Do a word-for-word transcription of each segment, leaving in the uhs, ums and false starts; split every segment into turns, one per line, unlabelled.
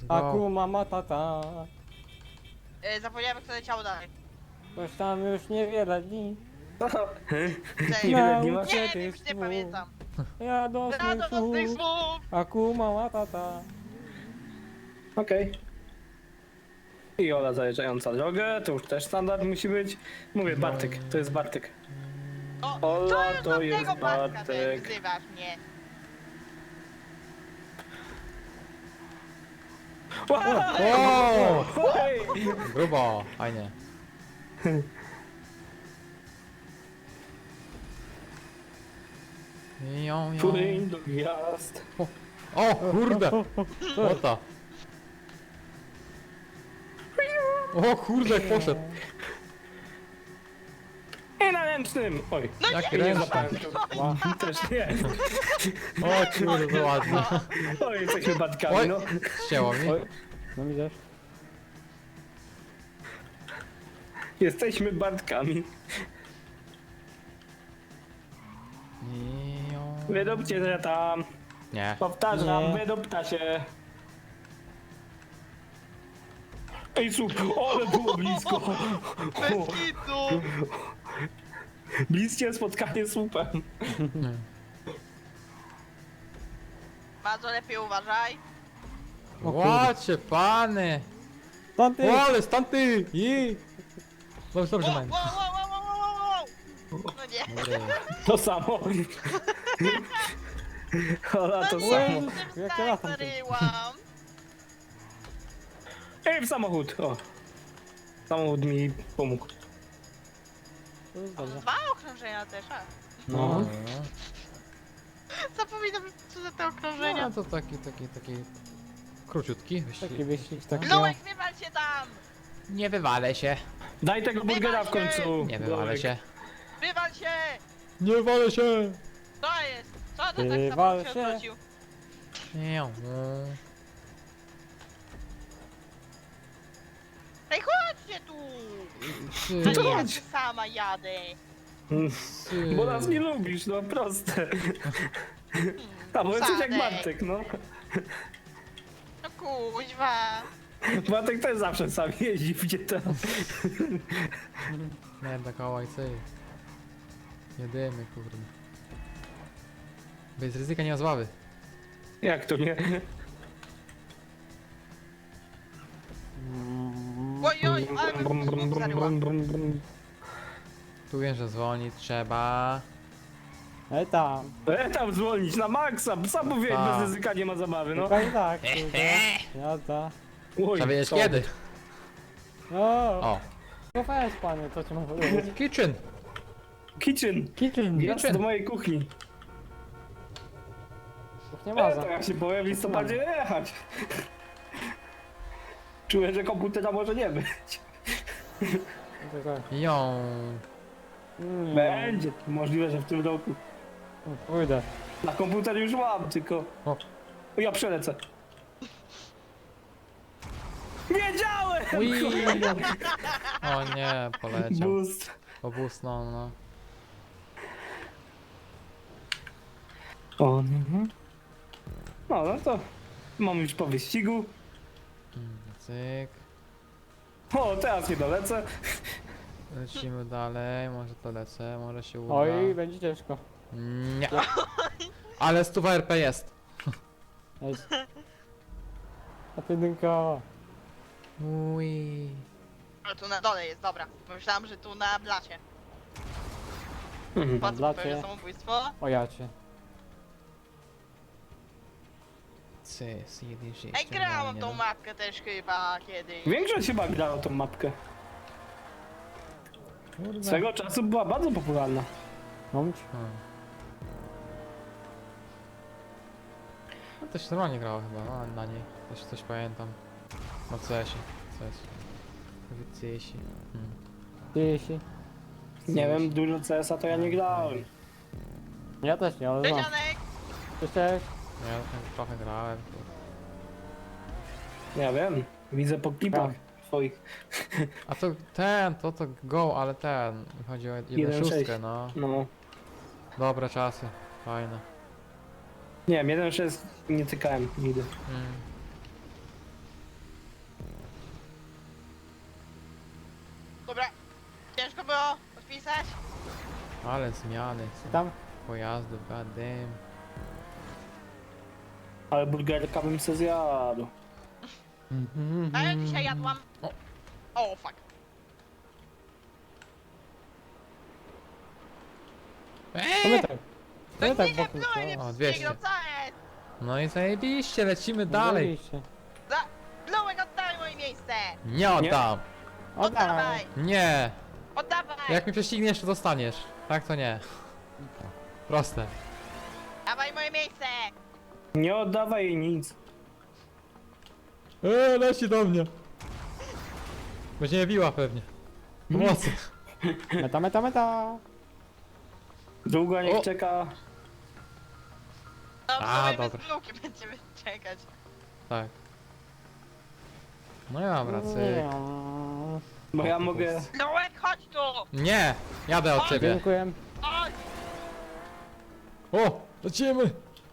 Akuma Matata.
E, zapomniałem, kto leciało dalej.
Coś tam już niewiele dni.
Cześć.
Ile dni masz?
Nie wiem, już nie pamiętam.
Ja do swych
Radosnych
słów.
słów!
Akuma Matata.
Okej. I Ola zajeżdżająca drogę, to już też standard musi być. Mówię, Bartek, to jest Bartek.
O,
Ola,
to już
to
do
jest
tego Bartka
Bartek.
też wzywasz mnie.
O!
Oj!
Grubo, fajnie. Ją, ją.
Płyń do gwiazd.
O kurde! Łota. O kurde, jak poszedł.
I na ręcznym! Oj,
No
Jak
nie,
ręczny.
zapałem to. Też nie.
O kurde, to ładnie.
Oj, jesteśmy Bartkami,
Oj,
no.
ścięło mi.
Oj. No mi też.
Jesteśmy Bartkami.
Ją.
Wydobcie się tam.
Nie.
Powtarzam,
Nie.
wydobta się. Ej, super, ale było blisko.
bez kitu!
Bliskie spotkanie z słupem.
Bardzo lepiej uważaj.
Łacie, pany!
Tanty!
O, ale stąd ty! I! Dobrze, dobrze,
Wow,
man.
wow, wow, wow, wow, wow, wow. No nie.
Dobry.
To samo. Ola, to
No
samo.
nie,
Jak
tym
ja latam tym.
zaryłam.
Ej, w samochód, o. Samochód mi pomógł.
To jest dobrze.
Dwa okrążenia też, a.
No.
Zapominam, co za te okrążenia.
No to taki, taki, taki króciutki wyścig.
Taki wyścig, taki.
Lołek, wywal się tam!
Nie wywalę się.
Daj tego burgera w końcu.
Nie wywalę
Bolek.
się.
Wywal się!
Nie wywalę się!
Co jest? Co to tak
Wywal
samo się
się.
odwrócił?
Nie.
Ej, chodźcie tu!
Ty,
A
To
nie, ja
chodź.
tu sama jadę.
ty.
Bo nas nie lubisz, no proste. A bo jesteś jak
Sadek.
Bartek, no.
No kuźwa.
Bartek też zawsze sam jeździ, gdzie to.
Nie, taka łajcy. Jedymy, kurde. Bez ryzyka nie ma zławy.
Jak to nie?
Oj, oj, ale bym
Brum, brum,
znów
brum,
zaryła.
brum, brum, brum.
Tu wiem, że dzwonić trzeba.
Ej tam.
E, tam zwolnić na maksa, sam mówiłem,
A.
bez ryzyka nie ma zabawy, no.
Tylko i tak, kurde. Jazda.
Oj,
Trzeba wiedzieć
co?
kiedy.
O!
O.
No weź panie, co ci mam powiedzieć?
Kitchen.
Kitchen.
Kitchen.
Wjazd
Kitchen.
do mojej kuchni.
Już nie
E,
ma za.
to jak się powiem, w listopadzie jechać. Czuję, że komputera może nie być.
Tylko-
Ją.
Mm,
Będzie. Możliwe, że w tym roku.
Pójdę.
Na komputer już mam, tylko...
O.
O, ja przelecę. Wiedziałem!
Ui. O nie, poleciał.
Boost.
Obusnął, no.
O, mhm. No, no to mam już po wyścigu.
Mm, Cyk.
O, teraz nie dolecę.
Lecimy dalej, może to lecę, może się uda.
Oj, będzie ciężko.
Nie. Ale stuwa R P jest.
Ej. A jedynka.
Ui.
Ale tu na dole jest, dobra. Myślałam, że tu na blacie.
Mhm.
Po co
blacie.
popełnię samobójstwo?
O ja cię.
Cy, jeden sześć.
Ej, grałam tą mapkę też chyba kiedyś.
Większość chyba grała tą mapkę.
Kurde.
Swego czasu była bardzo popularna.
Momć.
Hmm. No to się normalnie grało chyba, no na niej. Też coś pamiętam. No C S ie. C S. C S ie. Hmm.
Jeśli.
Nie wiem, dużo C S a to ja nie grałem.
Ja też nie, ale
Cześć,
znam.
Janek!
Cześć, cześć.
No ja tam trochę grałem.
Ja wiem, widzę po klipach twoich.
A to ten, to to go, ale ten. Chodzi o
jeden
jeden
sześć.
szóstkę, no.
No.
Dobre czasy. Fajne.
Nie wiem, jeden sześć nie tykałem nigdy.
Hmm.
Dobra. Ciężko było odpisać?
Ale zmiany są.
Tam?
Pojazdów, goddamn.
Ale burgerka bym se zjadł.
A ja dzisiaj jadłam...
O.
O, fuck.
To my
Eee!
tak. To
No
my tak
nie,
wokół.
pluję mnie
O,
wszystkiego,
dwieście.
co jest?
No i zajebiście, lecimy dalej.
Oczywiście.
Za... Blułek, oddaj moje miejsce!
Nie oddam.
Oddawaj.
Oddawaj!
Nie.
Oddawaj!
Jak mi prześcigniesz, to dostaniesz. Tak to nie. Proste.
Dawaj moje miejsce!
Nie oddawaj jej nic.
Eee, leci do mnie. Będzie mnie biła pewnie. Pomocy.
Meta, meta, meta.
Długo niech
O.
czeka.
No,
A,
w sumie
dobra.
bez bluki będziemy czekać.
Tak. No ja mam rację.
Bo ja mogę...
Blułek, chodź tu!
Nie! Jadę od ciebie.
Dziękuję.
Chodź!
O! Lecimy!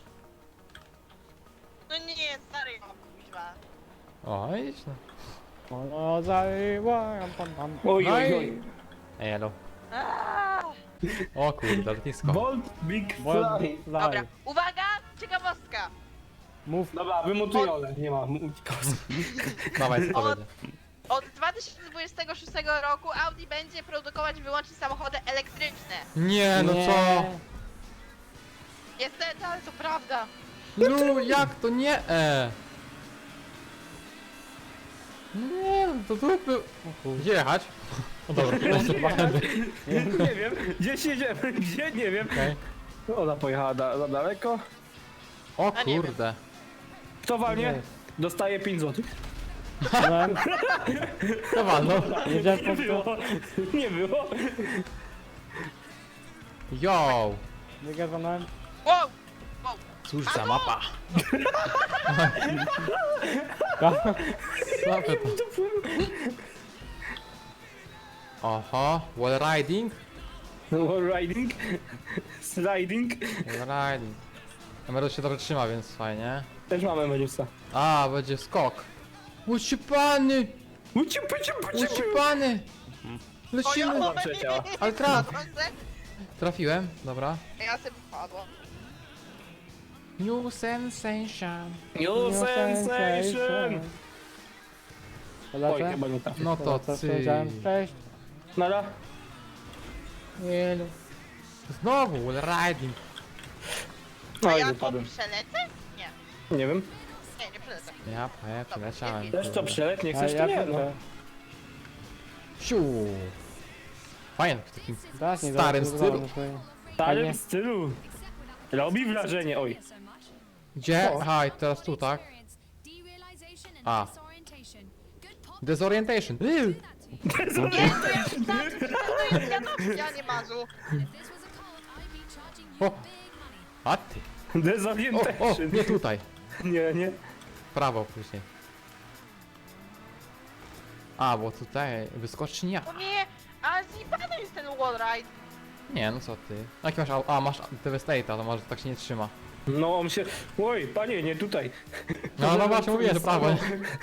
No nie, stary, o kuźwa.
O, idź no.
O, zajęła, pam, pam.
Oj,
No
oj,
i-
oj.
Elo.
Aaaa.
O kurde, lotnisko.
Bolt Big
Bo-
Fly.
Dobra,
Zaj.
uwaga! Ciekawostka!
Mów.
Dobra, wymutuj Ole. Nie ma.
Dawaj, co to
Od-
będzie?
Od dwa tysiące dwudziestego szóstego roku Audi będzie produkować wyłącznie samochody elektryczne.
Nie, no
Nie.
co?
Niestety, ale to prawda.
No jak to nie? E. Nie, no to trupy.
O kurde.
Gdzie jechać? O dobra, proszę, będę.
Nie wiem. Gdzie siedziemy? Gdzie? Nie wiem.
Okej.
Ona pojechała da, za daleko.
O
A nie wiem.
kurde.
Kto walnie?
Nie.
Dostaje pięć złotych.
Byłem,
To walno.
jedziałem
Nie
po
było.
to.
Nie było.
Yo!
Wygazowałem.
Wow! Wow!
Cóż za mapa.
Tak.
Słabe to. Oho, wall riding?
Wall riding. Sliding.
Wall riding. Emerald się dobrze trzyma, więc fajnie.
Też mamy Medusa.
A, będzie skok. Ucipany!
Uciu, puciu, puciu, puciu.
Ucipany! Lecimy!
Ojoj!
Przecięła.
Ale traf!
Padłam se?
Trafiłem, dobra.
Ja sobie wpadłam.
New sensation.
New sensation. Oj,
Lecę.
chyba nie tak.
No to
Co
ty.
powiedziałem? Cześć.
Nara.
Elu. Znowu wall riding.
A
Oj,
ja to
wypadłem.
przelecę? Nie.
Nie wiem.
Nie, nie przelecę.
Ja, ja przeleciałem.
Też to przeleć, nie
A
chcesz,
ja
to nie, no.
będę.
Siu. Fajnie, w takim
Teraz nie
starym
zaraz
stylu.
wyzwolę swoje.
W starym
Fajnie.
stylu. Robi wrażenie, oj.
Gdzie?
O.
Aha, i teraz tu, tak? A. Desorientation. Yy.
Nie, to jest tak, to jest wiadomość, ja nie mazu.
O. A ty. O, o,
Dezorientation.
nie tutaj.
Nie, nie.
Prawo później. A, bo tutaj wyskocznia.
O nie, ale zjebany jest ten wallride.
Nie, no co ty. Jaki masz, au- a masz Devastate'a, to może tak się nie trzyma.
No on się... Oj, panie, nie tutaj.
No, no właśnie mówię, że prawo.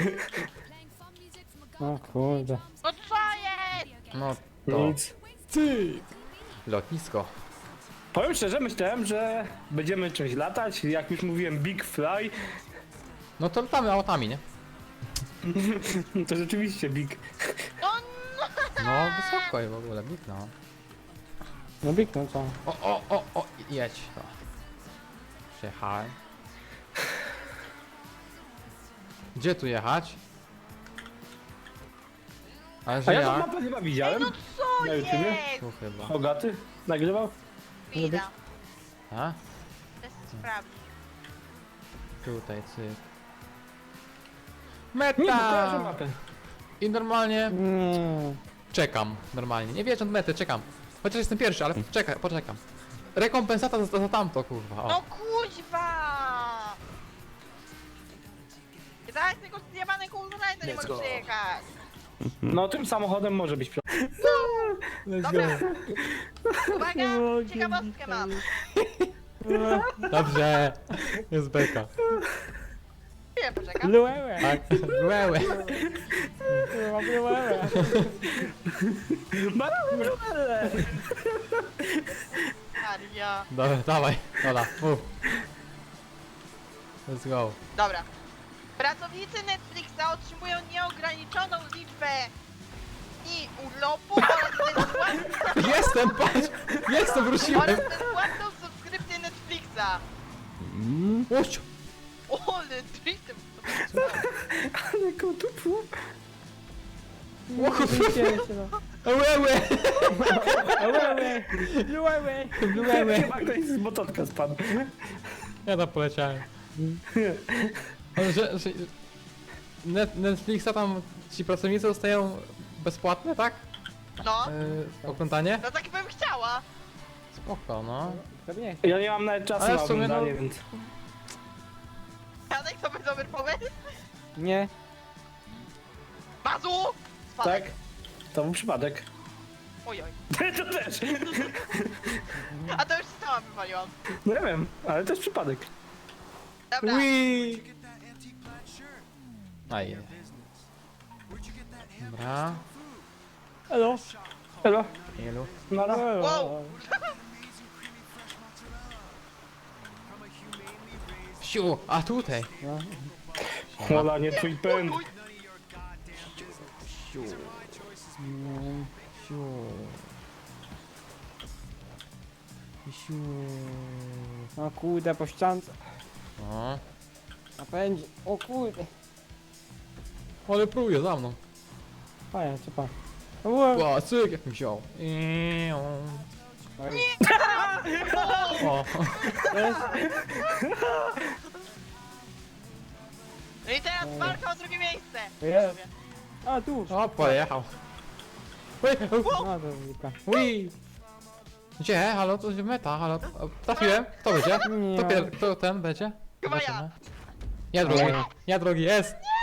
O kurde.
No co jest?
No to.
Nic.
Cyk. Lotnisko.
Powiem szczerze, myślałem, że będziemy czymś latać. Jak już mówiłem, Big Fly.
No to latamy autami, nie?
To rzeczywiście Big.
No,
No, wysoko i w ogóle, bit, no.
No biknął co?
O, o, o, o, jedź. To. Przejechałem. Gdzie tu jechać? Ale
A
że
ja tą
ja?
mapę chyba
Ej,
widziałem.
no co
Na YouTubie?
jest?
Tu chyba.
Hogaty nagrywał.
Chwila,
A?
chcę sprawdzić.
Tutaj, cyk.
Nie, bo kojarzę
Meta!
mapę.
I normalnie
Mm.
czekam. Normalnie. Nie wjeżdżam do mety, czekam. Chociaż jestem pierwszy, ale czekaj, poczekam. Rekompensata za, za tamto, kurwa. O.
No kuźwa! I teraz tego zjebane wallride nie mogę przejechać.
No tym samochodem może być.
Dobra. Uwaga, ciekawostkę mam.
Dobrze. Jest beka.
Nie, poczekaj. taka?
Blue'e.
Tak, łełe.
Kurwa, blue'e.
Barabele!
Maria.
Dobra, dawaj, Ola, mów. Let's go.
Dobra. Pracownicy Netflixa otrzymują nieograniczoną liczbę i urlopu oraz bezpłatną,
Jestem, patrz! Jestem, wróciłem!
oraz bezpłatną subskrypcję Netflixa.
Łość!
O, ale driftem.
Ale kotupu.
Łełe!
Blue'e. Blue'e.
Bluełe!
Chyba ktoś z mototka spadł.
Ja tam poleciałem. Ale że, że Net, Netflixa tam ci pracownicy dostają bezpłatne, tak?
No,
Yy, oglądanie?
no tak bym chciała.
Spoko, no.
Pewnie.
Ja nie mam nawet czasu
Ale
na
w sumie, no-
oglądanie, więc...
Janek, to by dobry pomysł.
Nie.
Bazu! Spadek.
Tak? To był przypadek.
Oj, oj.
To też.
A to już sama wywaliłam.
No ja wiem, ale też przypadek.
Dobra.
Ui! Aj. Dobra.
Elo.
Elo?
Ilu?
No, no.
Wow.
Siu! A tutaj!
No.
Ola, nie twój pęd.
Uj,
Siu.
Mm,
Siu. Siu.
O kurde, po ściance.
No.
Napędzi. O kurde.
Ale próbuje za mną.
Fajnie, co pan. Wow.
Ła, cyk, jak mi wziął. Iu. O.
Jest.
no i teraz walka o drugie miejsce.
Jest. A tu.
O, pojechał. Ui,
No to wilka.
ui. Gdzie? Halo, to meta, halo. O, trafiłem. Kto będzie?
Nie.
Kto, pier... Kto ten będzie?
Chyba ja.
Zobaczymy. Ja drogi, ja drogi, jest!